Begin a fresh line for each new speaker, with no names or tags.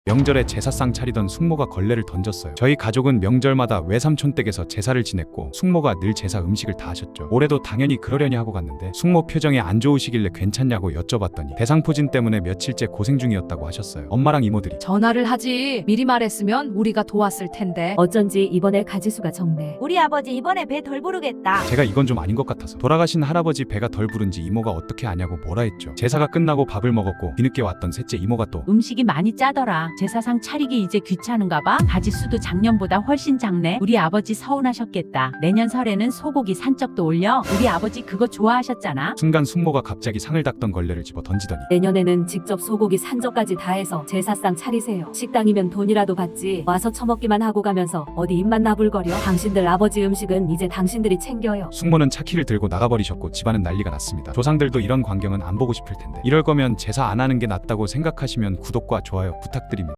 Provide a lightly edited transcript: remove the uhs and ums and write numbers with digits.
명절에 제사상 차리던 숙모가 걸레를 던졌어요. 저희 가족은 명절마다 외삼촌 댁에서 제사를 지냈고 숙모가 늘 제사 음식을 다 하셨죠. 올해도 당연히 그러려니 하고 갔는데 숙모 표정이 안 좋으시길래 괜찮냐고 여쭤봤더니 대상포진 때문에 며칠째 고생 중이었다고 하셨어요. 엄마랑 이모들이
전화를 하지. 미리 말했으면 우리가 도왔을 텐데.
어쩐지 이번에 가지수가 적네.
우리 아버지 이번에 배 덜 부르겠다.
제가 이건 좀 아닌 것 같아서 돌아가신 할아버지 배가 덜 부른지 이모가 어떻게 아냐고 뭐라 했죠. 제사가 끝나고 밥을 먹었고 뒤늦게 왔던 셋째 이모가 또
음식이 많이 짜더라. 제사상 차리기 이제 귀찮은가 봐. 가지수도 작년보다 훨씬 작네. 우리 아버지 서운하셨겠다. 내년 설에는 소고기 산적도 올려. 우리 아버지 그거 좋아하셨잖아.
순간 숙모가 갑자기 상을 닦던 걸레를 집어 던지더니
내년에는 직접 소고기 산적까지 다 해서 제사상 차리세요. 식당이면 돈이라도 받지 와서 처먹기만 하고 가면서 어디 입만 나불거려. 당신들 아버지 음식은 이제 당신들이 챙겨요.
숙모는 차키를 들고 나가버리셨고 집안은 난리가 났습니다. 조상들도 이런 광경은 안 보고 싶을 텐데 이럴 거면 제사 안 하는 게 낫다고 생각하시면 구독과 좋아요 부탁드립니다.